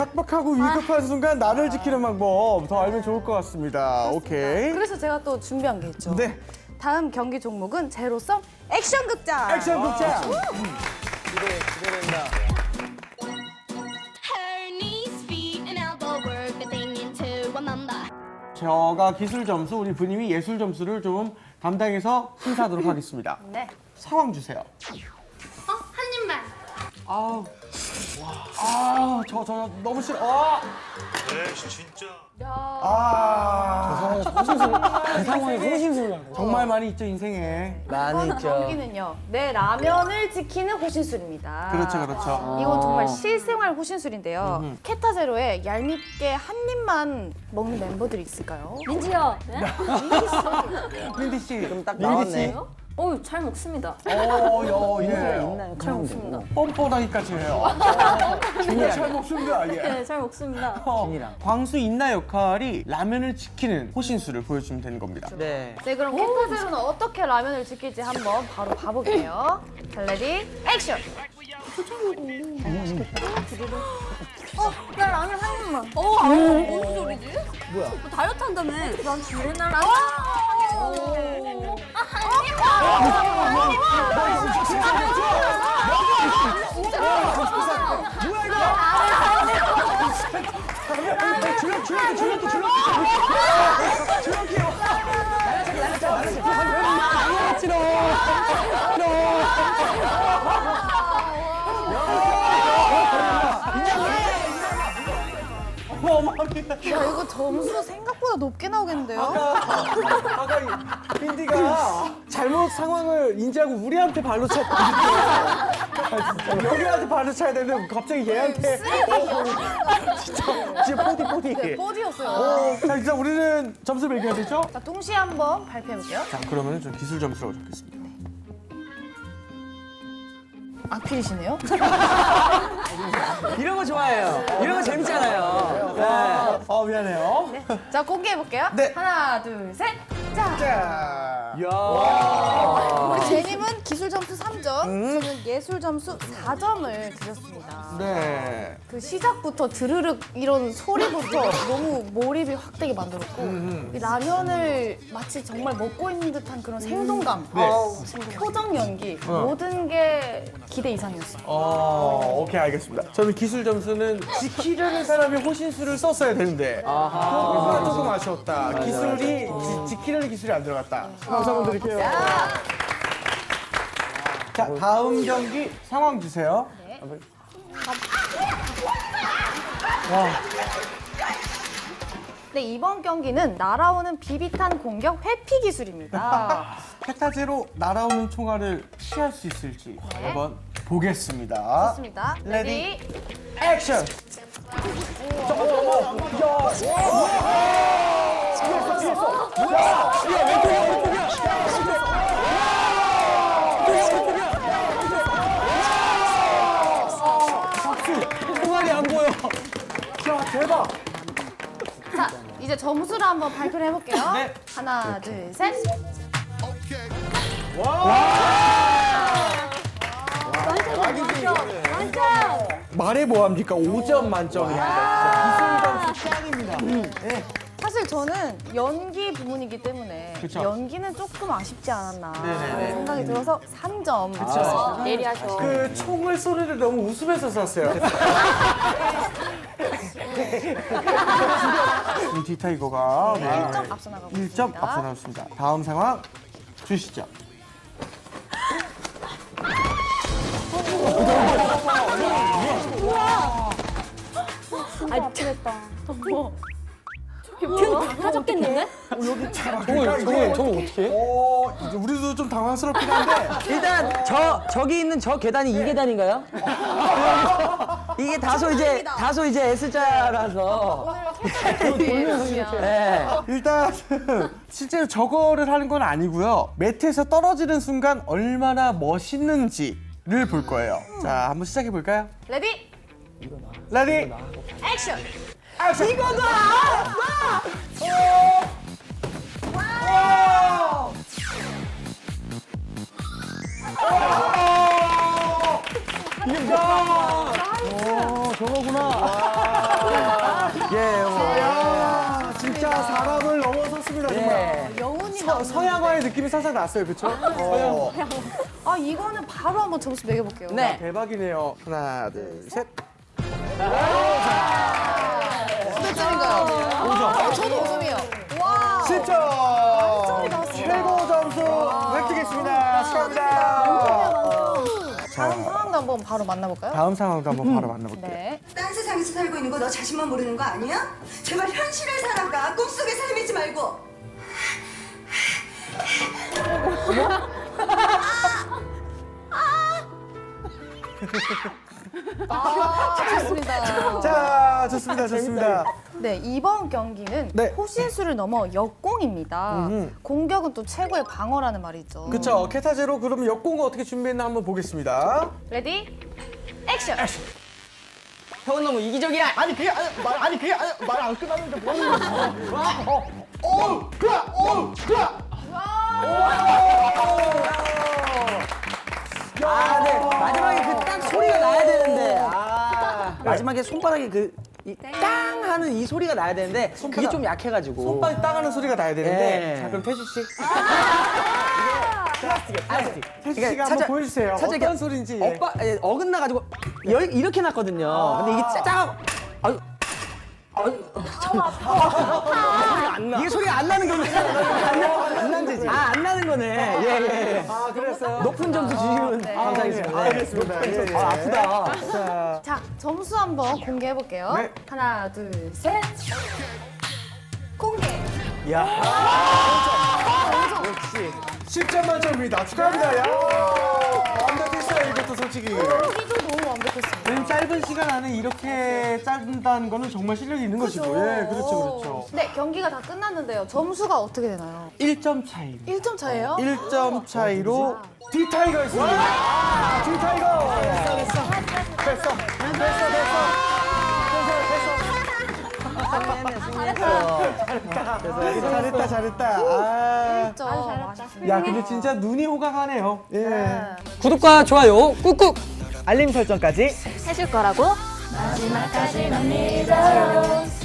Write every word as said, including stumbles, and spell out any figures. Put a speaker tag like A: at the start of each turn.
A: 빡빡하고 위급한 순간 나를 지키는 방법 더 알면 좋을 것 같습니다. 오케이.
B: 그래서 제가 또 준비한 게 있죠.
A: 네.
B: 다음 경기 종목은 제로섬 액션 극장.
A: 액션 극장.
C: 기대, 기대된다.
D: Her knees, feet, and elbow work the thing into a mamba.
A: 제가 기술 점수, 우리 부님이 예술 점수를 좀 담당해서 심사하도록 하겠습니다.
B: 네.
A: 상황 주세요.
D: 어? 한 입만.
A: 아우. 아, 저, 저, 너무 싫어. 아.
E: 에이씨 진짜.
A: 아.
C: 그 상황에 호신술 나고.
A: 정말 많이 있죠, 인생에.
C: 많이
B: 이번 경기는요. 내 라면을 지키는 호신술입니다.
A: 그렇죠, 그렇죠.
B: 이건 정말 실생활 호신술인데요. 케타제로에 얄밉게 한 입만 먹는 멤버들이 있을까요?
F: 민지요.
A: 민디 씨.
C: 그럼 딱
A: 민디 씨.
C: 나왔네.
F: 어우 잘 먹습니다.
A: 어, 여, 예.
C: 있나요?
F: 잘 먹습니다.
A: 뻔뻔하기까지 해요. 정말 잘 먹습니다, 예.
F: 네, 잘 먹습니다.
A: 어,
C: 준이랑.
A: 광수 인나 역할이 라면을 지키는 호신술을 보여주면 되는 겁니다.
C: 네.
B: 네, 그럼 케타제로는 어떻게 라면을 지킬지 한번 바로 봐볼게요. 자, 레디, 액션!
F: 어, 야 라면 한 입만. 어, 아, 무슨 소리지? 뭐야? 너 다이어트 한다며? 난 맨날 라면.
A: 줄넘기, 줄넘기, 줄넘기, 줄넘기. 줄넘기요. 어마어마합니다.
B: 야, 이거 점수 생각보다 높게 나오겠는데요?
A: 아까 이 빈디가 잘못 상황을 인지하고 우리한테 발로 찼다. 여기한테 발로 차야 되는데 갑자기 얘한테. 진짜, 진짜 포디, 포디.
B: 네, 뽀디였어요.
A: 어, 자, 일단 우리는 점수 매겨야 되죠?
B: 자, 동시에 한번 발표해볼게요.
A: 자, 그러면 좀 기술 점수라고 적겠습니다.
B: 악필이시네요?
C: 이런 거 좋아해요. 이런 거 재밌잖아요. 네.
A: 아, 미안해요.
B: 네. 자, 공개해볼게요.
A: 네.
B: 하나, 둘, 셋. 자.
A: 자.
B: 우리 제님은 기술 점수 삼 점, 저는 예술 점수 사 점을 드렸습니다.
A: 네.
B: 그 시작부터 드르륵 이런 소리부터 너무 몰입이 확 되게 만들었고 이 라면을 마치 정말 먹고 있는 듯한 그런 생동감,
A: 네.
B: 어우, 표정 연기 모든 게 기대 이상이었어요.
A: 어, 오케이, 알겠습니다. 저는 기술 점수는 지키려는 사람이 호신술을 썼어야 되는데 그거가 조금 아쉬웠다. 기술이 지, 지키려는 기술이 안 들어갔다. 박수 한번 드릴게요. 자, 다음 경기 상황 주세요. 와,
B: 네, 이번 경기는 날아오는 비비탄 공격 회피 기술입니다.
A: 페타제로 날아오는 총알을 피할 수 있을지 한번 보겠습니다.
B: 좋습니다.
A: 레디.
B: 레디.
A: 액션! 총알이 안 보여. 야, 대박.
B: 자, 이제 점수를 한번 발표를 해볼게요.
A: 네.
B: 하나, 둘, 셋.
A: 말해 뭐합니까? 오 점 만점입니다. 기술 점수 짱입니다. 네.
B: 사실 저는 연기 부문이기 때문에
A: 그쵸.
B: 연기는 조금 아쉽지 않았나
A: 네네네.
B: 생각이 들어서 삼 점.
A: 그쵸.
F: 예리하셔.
A: 그 총을 소리를 너무 웃으면서 쐈어요. 우리 디타이거가 네.
B: 일 점 앞서 나가고
A: 일 점
B: 있습니다.
A: 앞서 나왔습니다. 다음 상황 주시죠.
F: 아, 미치겠다. 뭐? 다 가졌겠는데?
A: 저거,
C: 저거, 저거 어떻게 해?
A: 어, 이제 우리도 좀 당황스럽긴 한데.
C: 일단 저 저기 있는 저 계단이 이 계단인가요? 이게 다소 이제 다소 이제 S자라서. 네.
A: 일단 실제로 저거를 하는 건 아니고요. 매트에서 떨어지는 순간 얼마나 멋있는지를 볼 거예요. 자, 한번 시작해 볼까요?
B: 레디.
A: 레디.
B: 액션.
A: 액션. 이거다. 이게 뭐야? 오, 저거구나. 서, 서양화의 느낌이 살짝 났어요, 그쵸? 어.
B: 아 이거는 바로 한번 점수 매겨볼게요.
C: 네.
A: 대박이네요. 하나, 둘, 셋.
B: 몇 점인가요?
A: 오 점.
B: 아, 저도 오 점이에요. 와.
A: 십 점. 최고 점수 획득했습니다. 축하합니다.
B: 다음 상황도 한번 바로 만나볼까요?
A: 다음 상황도 한번 바로 만나볼게요.
B: 네.
E: 딴 세상에서 살고 있는 거 너 자신만 모르는 거 아니야? 제발 현실을 살아가. 꿈속에 살미지 말고.
B: 아, 좋습니다.
A: 자, 좋습니다, 좋습니다.
B: 네, 이번 경기는
A: 네.
B: 호신수를 넘어 역공입니다. 공격은 또 최고의 방어라는 말이죠.
A: 그쵸, 캐타제로 그럼 역공을 어떻게 준비했나 한번 보겠습니다.
B: 레디, 액션!
C: 형은 너무 이기적이야.
A: 아니 그게 아니 말 아니 그게 아니 말안 끝났는데 뭐 하는 거지? 어, 어, 그야, 어, 그야.
C: 아, 네. 마지막에 그 딱 소리가 나야 되는데. 아, 마지막에 손바닥에 그, 이, 땅 하는 이 소리가 나야 되는데, 그게 좀 약해가지고.
A: 손발이 따가는 소리가 나야 되는데.
C: 예.
A: 자, 그럼 태주 씨. 플라스틱이야, 플라스틱. 태주
C: 그러니까
A: 씨가 한번
C: 살짝-
A: 보여주세요.
C: 살짝
A: 어떤
C: 이렇게
A: 소리인지. 예.
C: 엇바, 예, 어긋나가지고 열, 이렇게 났거든요. 근데 이게 짜자고. 아유. 아유. 이게 소리가 안 나는 거네. 안 나는 아, 안 나는 거네. 예, 예, 예.
A: 아, 그랬어요?
C: 높은 점수 주시면 감사하겠습니다.
A: 아, 알겠습니다. 예, 예.
C: 아, 아프다.
A: 자,
B: 자, 점수 한번 공개해볼게요.
A: 네.
B: 하나, 둘, 셋. 공개!
A: 십 점 만점입니다. 축하합니다. 야, 완벽했어요, 이것도 솔직히.
B: 여기도 너무 완벽했습니다.
A: 이 짧은 시간 안에 이렇게 짠다는 거는 정말 실력이 있는 것이고. 예, 그렇죠, 그렇죠.
B: 네, 경기가 다 끝났는데요. 점수가 어떻게 되나요?
A: 일 점 차이.
B: 일 점 차예요?
A: 일 점 차이로 디타이거 있습니다. 디타이거. 됐어, 됐어. 됐어. 됐어, 됐어. 잘했다, 잘했다. 아.
B: 일 점. 아쉽습니다.
A: 야, 근데 진짜 눈이 호강하네요. 예.
C: 구독과 좋아요 꾹꾹.
A: 알림 설정까지.
B: 해줄 거라고?
D: 마지막까지 난 믿어요.